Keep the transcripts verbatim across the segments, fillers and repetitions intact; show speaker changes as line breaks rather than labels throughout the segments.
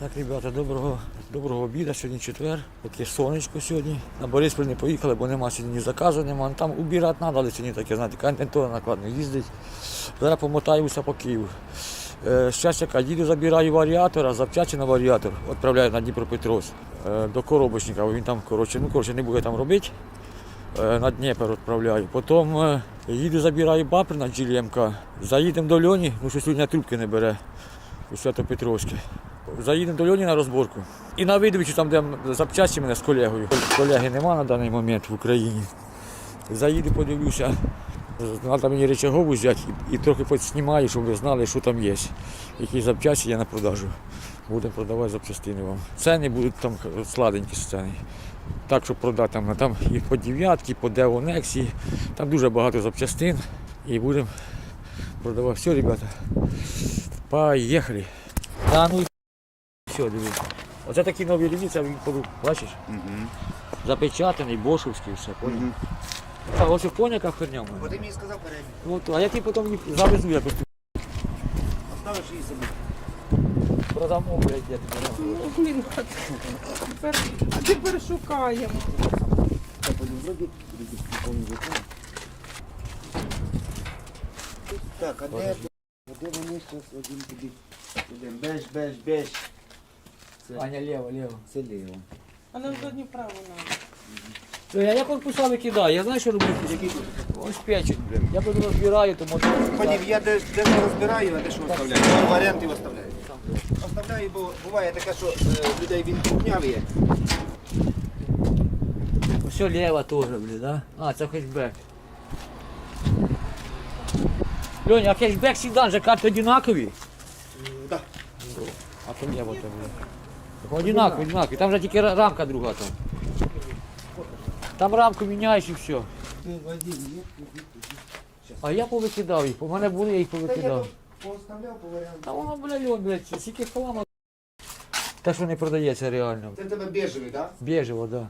Так, ребята, доброго, доброго обіду, сьогодні четвер, таке сонечко сьогодні. На Бориспіль не поїхали, бо нема сьогодні ні заказу, нема. Там убирати треба, але сьогодні таке, знаєте, контентура накладно їздить. Зараз помотаюся по Києву. Зараз яка, їду, забираю варіатора, запчасті на варіатор, відправляю на Дніпропетровськ до коробочника, він там, коротше, ну, коротше, не буде там робити. На Дніпро відправляю. Потім їду, забираю бампер на джі ел ем ка, заїдемо до Льоні, ну щось сьогодні трубки не бере у Свято-Петровське. Заїдемо до Льоні на розборку. І на видовичі, там, де запчасті мене з колегою. Колеги нема на даний момент в Україні. Заїду, подивлюся, треба мені речагову взяти і, і трохи поснімаю, щоб ви знали, що там є. Які запчасті є на продажу. Будемо продавати запчастини вам. Ціни будуть там сладенькі ціни. Так, щоб продати там, там і по дев'ятки, по Деонексі, там дуже багато запчастин. І будемо продавати. Все, ребята, поїхали. Та ну і все, дивіться. Оце такі нові лінійці, він порук, бачиш? Угу. Запечатаний, бошовський, все, поняв? Угу. А ось поняв, яка херня в мене?
Бо ти мені сказав передній.
От, а я ті потім їх завезу якось.
Оставиш її собі.
Продамо, блядь, я тобі дам.
Ну, блін, а тепер, а тепер шукаємо.
Так, а де, а де вони зараз один тобі? Ідемо. Беж, беж, беж. Це,
Аня, ліво, ліво.
це ліво.
А нам задню праву надо.
Я як корпуса викидаю, я знаю, що роблю. Ось печень, блядь. Я коли розбираю, то можна...
Панів, я де, де не розбираю, а де що оставляю. Я варіанти оставляю. Оставляю, бо буває таке, що е, людей він кухняв є.
Все ліво теж, блядь, да? А, це хетчбек. Льоня, а хетчбек седан же карти одинакові?
Так.
А то ліво там, блядь. Одинакові, одинакові. Там же тільки рамка друга там. Там рамку міняєш і все. А я повикидав їх, у мене були, я їх повикидав.
Пооставляв по варіанту.
Та воно, блядь, льон, блядь, скільки хлама. Те, що не продається реально.
Це в тебе бежевий, так?
Біжево, да.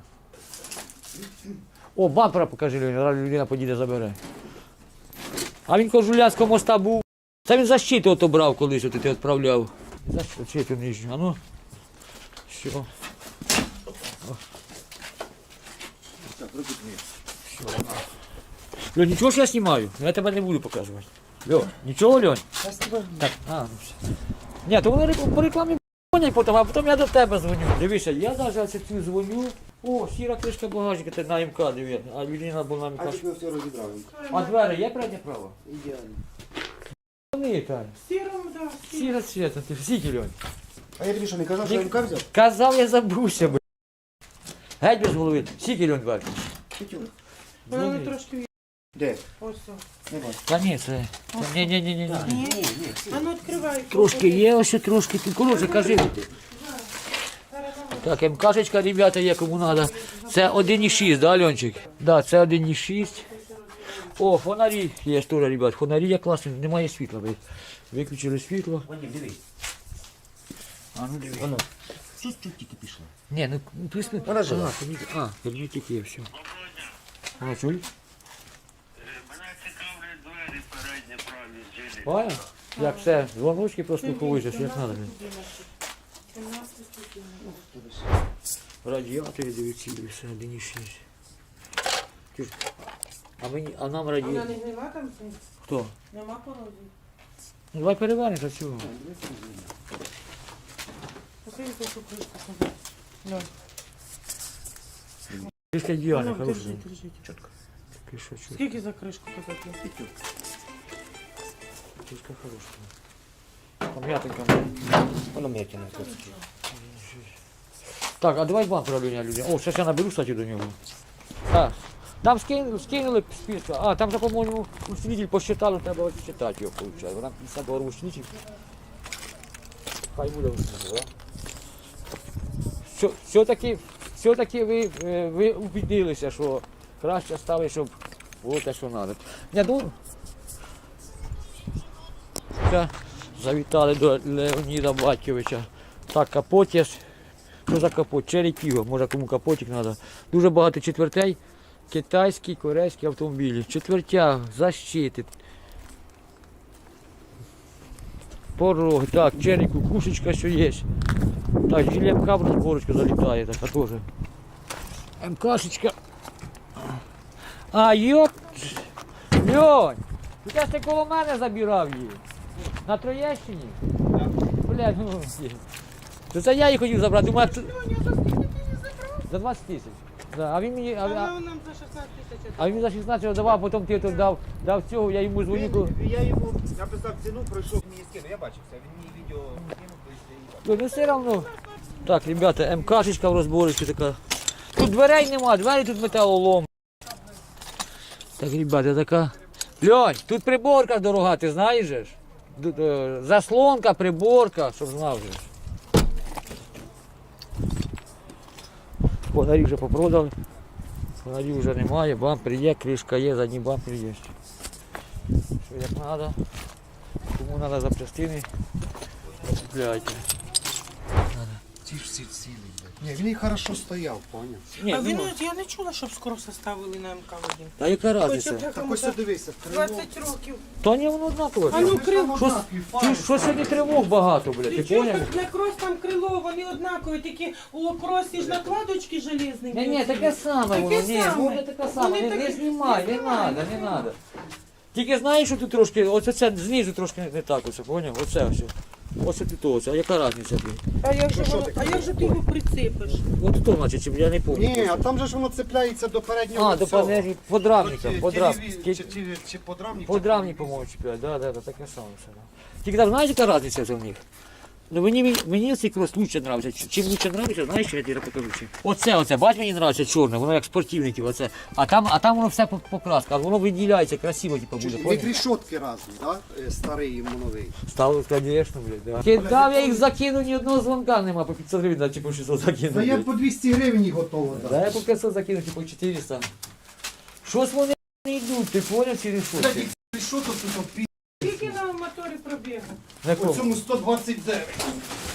О, бампера покажи, Льоня, зараз людина подійде забере. А він Кожулянського моста був. Це він защиту ото брав колись, от ти відправляв. Защиту нижню, а ну. Все.
Так, руки твої.
Льон, нічого ж я знімаю? Я тебе не буду показувати. Льон, нічого, Льон? Так, а, ну все. Ні, то вони рек- по рекламі дзвонять потім, а потім я до тебе дзвоню. Дивися, я навіть цю дзвоню. О, сіра кришка багажника, ти на ем ка, дивись. А людина була на
А
ем ка.
тільки все розібрав.
А двері є переднє право?
Ідеально.
Вони, Таня.
Сіром, да, сіром.
Сіра цвіта, ти всі, Льон.
А я тобі що, не казав, що я ем ка взяв?
Казав, я забувся, б. Геть без голови. Скільки, Льон, двері?
Чуть-чуть.
Вона не трошки
Де?
ось. о.
Не бачу.
Та ні, це... Ні, ні, ні, ні, ні.
Ні, ні.
А ну відкривай.
Трошки є, ось трошки. Ти, коротше, кажи. Так, МКшечка, ребята, є кому треба. Це один і шість, да, Льончик? Да, це один і шість. О, фонарі є теж, ребят. Фонарі є класні, немає світла. ви- Виключили світло.
Ваня, дивись.
А, ну дивись.
Воно. Щось тут тільки пішло.
Ні, ну присни.
Вона жива.
А, тоді- а, герметик є, все. А, чули?
Мене цікавлять двері передні праві зілі.
Понял? Як все, дзвоночки прослуховуєш, як треба. Радіатори, дивіться, все, один і шість. Чуш, А, мені, а нам
Вона
радіатор.
не гнила там? це?
Хто?
Нема корозії?
Ну, давай перевернеш, а чого?
Покажи таку кришку. казати. Льон.
Кришка ідеальна,
Ну,
хороша.
держи, держи.
Чітко.
Такий що, чу-
Скільки за кришку казати?
кришка хороша. Там м'ятенька.
Воно м'якіне.
Так, а давай бампера, Люня, Люня. О, зараз я наберу, кстати, до нього. Так. Там скинули, скинули списка. А, там же, по-моєму, усилитель посчитали, треба считати його, виходить. Там п'ятдесят доларів усилитель. Хай буде усилитель, да? Все, все-таки, все-таки ви, е, ви убедилися, що краще ставити, щоб було те, що треба. Я думаю, Все, завітали до Леоніда Батьковича. Так, капот є. Що за капот? Черепіго, може кому капотик треба. Дуже багато четвертей. Китайські, корейські автомобілі. Четвертя, защити. Пороги, так, черепу, кушечка, що є. Так, жили МК в розборочку залітає, така теж. МКшечка. А, йоп! Льонь! Ти ж ти коло мене забирав її. На Троєщині? Блядь, ну. То це я її хотів забрати. Думаю, це- за двадцять тисяч. Да, а він мені. А,
А
а,
нам за шістнадцять тисяч.
а він за шістнадцять давав, потім ти тут дав, дав цього, я йому дзвоню. кажу,
Він- Я йому написав ціну, пройшов мені скину, я бачив це, він мені відео скинув, то
Ну, ну все одно. Так, ребята, МКшечка в розборочці така. Тут дверей нема, двері тут металолом. Так, ребята, така. Льонь, тут приборка дорога, ти знаєш же ж? Тут, е, заслонка, приборка, щоб знав же ж. Фонарі вже попродали. Фонарів вже немає, бампер є, кришка є, задній бампер є. Що як треба. Кому треба запчастини, купляйте.
ці ж всі цілі. Ні, він і хорошо стояв, поняв.
Ні,
А він,
ну,
я не чула, щоб скоро ставили на МК один.
та яка
Хоча б
разниця?
Так
якому
ось дивися, крило.
двадцять років.
Та ні, воно однаково.
А ну крило.
Що, ти, що сьогодні тривог багато, блядь, ти
Ти чого
поняв?
так для крос там крило, вони однакові, тільки у кросі ж накладочки железні.
Ні, ні, таке саме
Таке
воно, ні,
саме.
воно таке саме,
Вони
не, не
такі-
знімай, не
не
треба,
знімай,
не
не
треба. Тільки знаєш, що тут трошки, оце це знизу трошки не, не так, оце, поняв? Оце все. Оце тут оце, а яка різниця, блядь?
А як же
що
воно-
таке?
а як же ти його прицепиш?
От то, значить, чим я не пам'ятаю.
Ні, а там же ж воно цепляється до переднього.
А, до
цього.
панелі, подрамника,
От, е,
подрам,
телеві-
ки-
Чи, чи, чи подрамник?
подрамник, по-моєму, чіпляють, да, да, да, таке саме все. Да. Тільки там, знаєш, яка різниця це в них? Ну мені, мені цей крос лучше нравиться. Чим лучше нравиться, знаєш, що я тобі покажу. Чим? Оце, оце, бач, мені нравиться чорне, воно як спортивників, оце. А там, а там воно все по- покраска, воно виділяється, красиво, типу, буде.
Від
поняв?
рішотки різні, да? Е, старий і новий.
Стало, звісно, блядь, да. Кидав, я їх закину, ні одного дзвонка нема, по п'ятсот гривень, чи по шістсот закину.
Та я
блядь.
по двісті гривень готово
Да,
дати.
я по п'ятсот закину, чи по чотириста. Щось вони не йдуть, ти поняв, ці рішотки?
Рішоток тут пі...
Скільки на моторі пробігу?
На
По
кому?
цьому сто двадцять дев'ять.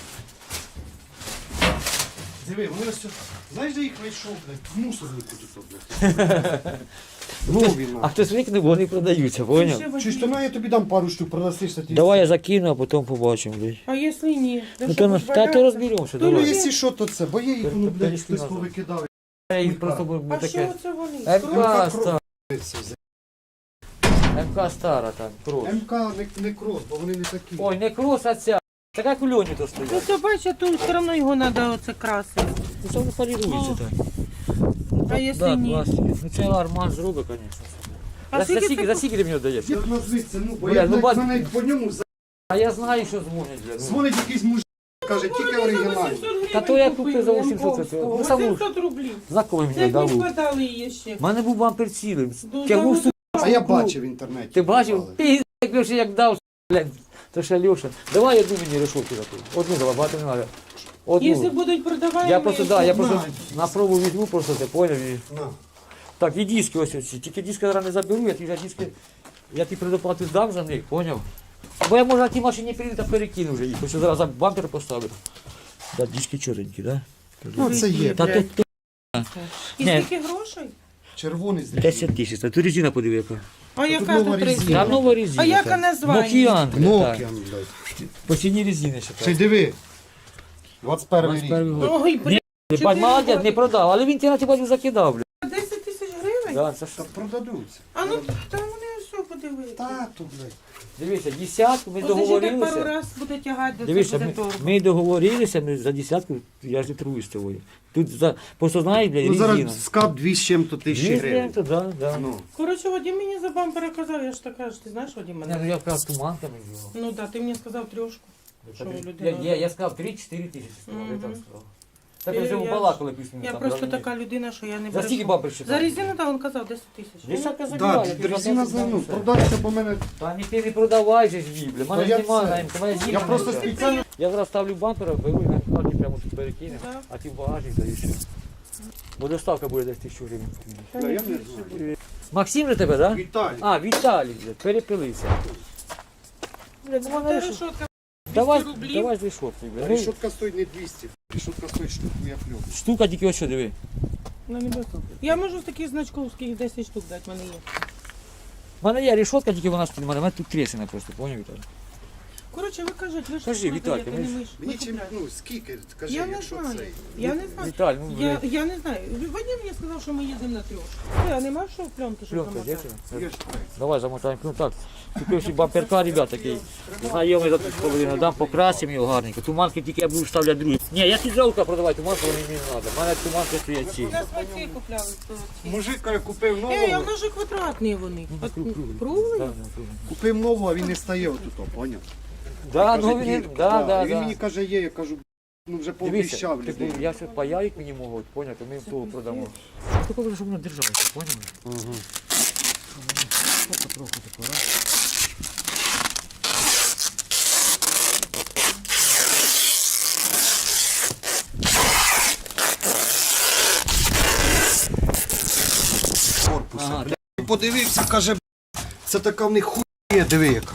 Диви, вони ось... Знаєш, де їх знайшов, блядь? В мусорнику тут, блядь. Нові,
А хтось викинув, бо вони продаються, поняв?
Чуєш, то на я тобі дам пару штук, продасишся ти.
Давай я закину, а потім побачимо, блядь.
А якщо ні?
Ну то, на- та, то розберемося,
Ну,
давай.
якщо що, то це, бо я їх, ну, блядь,
Перейшли
хтось
назад.
повикидав.
Я їх просто буду
А
таке.
що це вони?
МК
Кров.
стара,
Це взяв.
МК стара там, крос.
МК не, не крос, бо вони не такі.
Ой, не крос, а ця. Така як у Льоні то
Ну
стоять.
то бачиш, тут все одно його треба оце красити.
Ну це воно полірується так.
А якщо
Да,
ні?
пластик. Ну це Арман зробить, звісно.
А
За
скільки
скільки,
це
за скільки ти мені даєш?
Як назвиться, ну, бо
Бля,
я,
ну,
блядь,
бач-
мене по ньому за-
А я знаю, що дзвонять. бля, ну.
дзвонить якийсь мужик, каже, тільки оригінальний.
Та то я купив за вісімсот, це- ну, саму-
вісімсот рублів.
Знакомий
Це
мені
як не
дав.
вкладали її ще.
У мене був бампер цілим.
Ну,
Тягнув
да,
су...
А я бачив в інтернеті.
Ти бачив?
Але.
Пі***, як Леша як дав, блядь. То ще Леша. Давай одну мені решетку таку. Одну давай, багато не треба.
Якщо
Одну.
будуть продавати,
Я просто, да, я просто
На.
на пробу візьму, просто ти поняв. І...
На.
Так, і диски ось оці. Тільки диски зараз не заберу, я ті вже диски, я ті предоплату здам за них, поняв? Бо я може на тій машині приїду та перекину вже їх, хочу зараз бампер поставити. Да, диски чорненькі, да?
Ну, це є.
Та тут то
І
Ні.
скільки грошей?
Червоний з
десять тисяч, а тут резина подиви яка.
А яка
нова
тут
резина.
резина?
Та нова резина.
А яка
так.
названня?
Нокіан, блядь,
Nokia,
так.
блядь.
По ціні резини ще
Це
так.
диви. двадцять перший рік.
двадцять перший год.
Ой, блядь,
Ти бать, молодець, не продав, але в інтернеті бачу закидав, блядь.
десять тисяч гривень?
Да, це ж
Та продадуться.
А ну, там вони все подивилися.
Та, то, блядь.
Дивіться, десятку ми
Ось ще так пару
договорилися.
раз буде тягати, до
Дивіться,
це буде
ми,
дорого.
ми договорилися, ми за десятку, я ж не торгую з тобою. Тут за, просто знаєш, блядь,
Ну,
резина.
зараз скап дві з чим-то тисячі
Дві
гривень.
то, да, да.
Ну.
Коротше, Вадим мені за бампера казав, я ж така ж, ти знаєш, Вадим
Не,
мене?
ну я вкрав туманками його.
Ну так, ти мені сказав трьошку. Що
Я,
людина?
я, я сказав три-чотири тисячі, сказав, я
Мгм.
так сказав. Так
Я-
ми вже
я-
балакали пісню.
Я
там,
просто
да,
така людина, що я не
За скільки
брешу.
бабер ще?
За резину, так, він казав десять тисяч.
Десятка
Да,
забирала. я тобі
резина
за
за ну,
все.
продався, бо мене.
Та ні, ти не продавай же ж її, бля. Мене
Та я
немає,
це-
на ем ка, мене
Я
зібрано
просто
все.
спеціально.
Я зараз ставлю бампера, беру і на карті прямо тут перекинемо,
Да.
а ти в багажник даєш. Бо доставка буде десь тисячу гривень.
Да, я не знаю.
Максим же тебе, так? Да?
Віталій.
А, Віталій, блядь, перепилися. Бля, ну
Та
мене решот-
решотка
Давай,
двісті рублів.
давай з решоткою, бля. Ну,
Рішотка стоїть не двісті. Рішотка стоїть штуку, я плюс.
штука тільки ось що, диви.
Ну, не безпечно. Я можу з таких значковських десять штук дати, в мене є.
У мене є решотка, тільки вона стоїть, у мене у мене тут трісина просто, поняв, Віталій?
Коротше, ви кажете, ви ж
Кажи, Віталька,
продаєте,
ми
не
ж-
ми ж. Ми
Мені чим,
купляємо.
ну, скільки, скажи,
Я не
якщо
знаю,
це.
я не знаю.
Віталь, ну,
Я,
блядь.
я не знаю. Вадим мені сказав, що ми їдемо на трьох. Все, а нема що в пленку, щоб
Пленка,
замотати?
де
Є ж так.
Давай замотаємо. Ну так, купив собі бамперка, ребят, такий. Знайомий за тисячу половину, дам покрасимо його гарненько. Туманки тільки я буду вставляти другі. Ні, я ці жалко продавати, туманки вони мені не треба. У мене туманки стоять ці.
У нас оці купляли.
Мужик каже, купив нового,
Ей, а в нас же квадратні вони. От Круглі?
купив нового, а він не стає отут, поняв?
Да,
Каже,
ну він,
«Дірка».
да, да,
І він мені
да.
каже, є, я кажу, ну вже
Дивіться,
пообіщав
типу,
людей.
я все паяють мені можуть, поняти, ми того продамо. Такого, щоб воно держалося, поняли?
Ага.
Потроху тако, раз.
Корпуса.
Ага,
Бля, подивився, каже, це така в них хуйня, диви яка.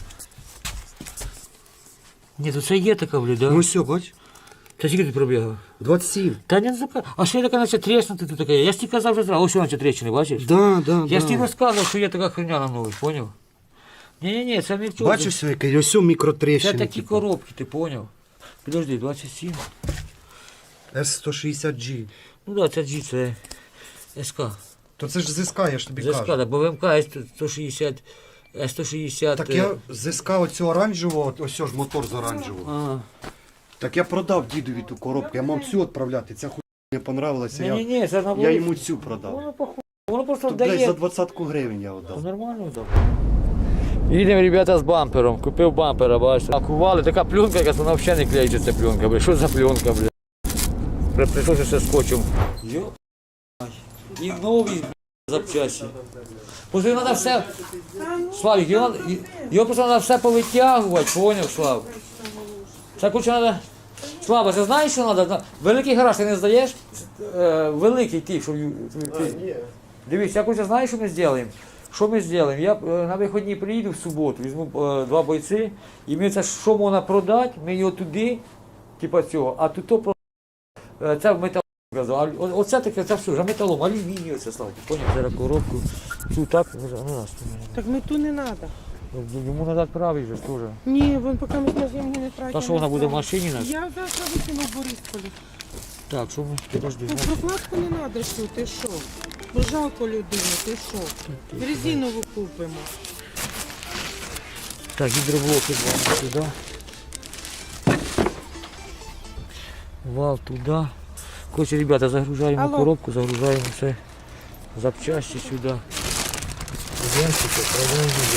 Ні, то це є така, блядь, да?
Ну все, бач,
Та скільки ти пробігав?
двадцять сім.
Та не зака. А що я така наче треснути тут таке? Я ж тобі казав вже зразу, ось вона ця трещини, бачиш?
Да, да,
Я ж тобі
да.
розказував, що є така херня на нових, поняв? Ні-ні-ні, це не в чому.
Бачиш, все, яке, ось мікротрещини.
Це такі
типу.
коробки, ти поняв? Підожди, двадцять сім.
ес сто шістдесят джі.
Ну так, да, це G, це СК.
То це ж ЗСК, я ж тобі
З СК,
кажу.
да, бо в МК є сто шістдесят, е, сто шістдесят.
Так я ЗСК оцього оранжевого, ось ж мотор з оранжевого.
Ага.
Так я продав дідові ту коробку, я мав цю відправляти, ця хуйня не понравилася, я,
Ні-ні-ні, це на
я
вулиці.
йому цю продав.
Воно похуй. Воно просто
То, блядь,
дає.
за двадцятку гривень я
Та
віддав.
Нормально так. Їдемо, ребята, з бампером. Купив бампера, бачите. Пакували, така пленка, якась вона взагалі не клеїться, ця пленка, блядь. Що за пленка, блядь? При- Прийшлося ще скотчем. Йо. І нові, блядь, запчасті. Просто його треба все, Славік, його, надо- його просто треба все повитягувати, поняв, Слав? Це, короче, треба... Слава, ти знаєш, що треба? Великий гараж ти не здаєш? Е, великий ти, що... ю- ти- Дивись, я хочу, знаєш, що ми зробимо? Що ми зробимо? Я е, на вихідні приїду в суботу, візьму е, два бойці, і ми це, що можна продати, ми його туди, типа цього, а тут то про... е, це в металом. казав. А о- Оце таке, це все, вже металом, алюмінію це, Славки, поняв? Зараз коробку, цю так, ну, ну, раз,
Так ми ту не треба.
йому треба правий же ж теж.
Ні, вон поки ми на землі не тратимо.
Та що вона буде в машині нас?
Я завтра викину в Борисполі.
Так, що ми, подожди.
Ну, прокладку не треба, що ти що? Бо жалко людину, ти що? Резинову купимо.
Так, гидроблоки вал сюда. Вал туда. Короче, ребята, загружаем
Алло.
коробку, загружаем все запчасти сюда. Ящики, отправляем в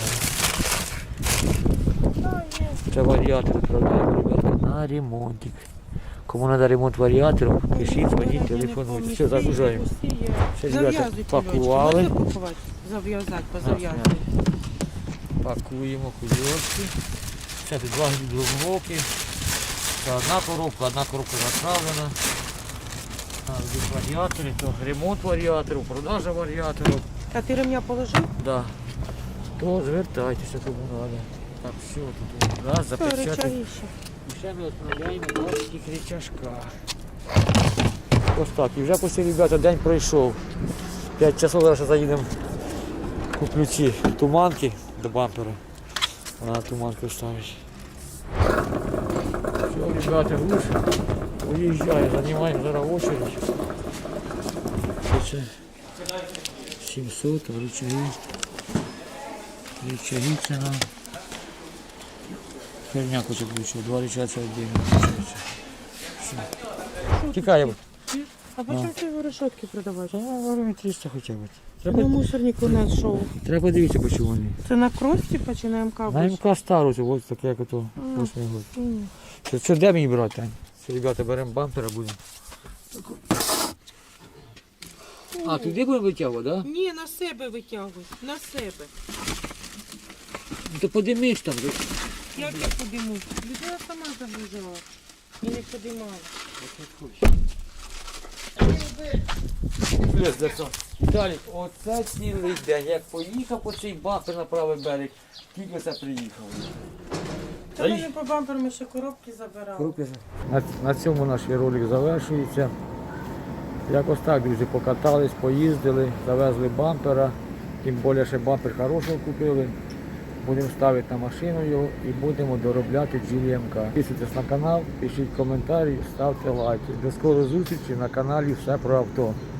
ящик. Це варіатор відправляємо, ребята, на ремонтик. Кому треба ремонт варіатором, пишіть, дзвоніть, телефонуйте. Все, загружаємо. Все, ребята,
Зав'язуйте,
пакували.
Льочка, можна пакувати? Зав'язати, позав'язати.
Пакуємо кульочки. Це тут два гідроблоки. Це одна коробка, одна коробка заправлена. А, тут варіатори, то ремонт варіаторів, продажа варіаторів.
А ти ремня положив?
Да. То звертайтеся, кому треба. Так, все, тут раз,
Все,
запечатати.
речагіще.
І ще ми відправляємо два таких речашка. Ось так. І вже після, ребята, день пройшов. п'ять часов зараз заїдемо. Куплю ці туманки до бампера. Вона туманку ставить. Все, ребята, груз уїжджає, займаємо зараз очередь. Це сімсот, рычаги. Рычаги це нам. Херня хоче включити, два рычага це віддільно включається. Все. Тікаємо.
А по чому ти його решетки продавати?
Гривень триста хоча б.
На
Треба,
мусорнику знайшов.
треба подивитися, по чому вони.
Це на крості типа, чи на МК?
На МК стару, це ось таке, як ото восьмий год.
Ні.
Що, що де мені брати, Тань? Все, ребята, беремо бампера, будемо. А, туди будемо витягувати, так? Да?
Ні, на себе витягуй, на себе.
Ну, то подимиш там.
Як я подиму? Людина сама загружала і не подимала.
Віталік, оце цілий день. Як поїхав по цей бампер на правий берег, тільки це приїхав.
Та ми не по бамперу, ми ще коробки забирали.
На, на цьому наш ролик завершується. Якось так, друзі, покатались, поїздили, завезли бампера. Тим більше ще бампер хорошого купили. Будемо ставити на машину його і будемо доробляти джі ем ка. Підписуйтесь на канал, пишіть коментарі, ставте лайки. До скорої зустрічі на каналі Все про авто.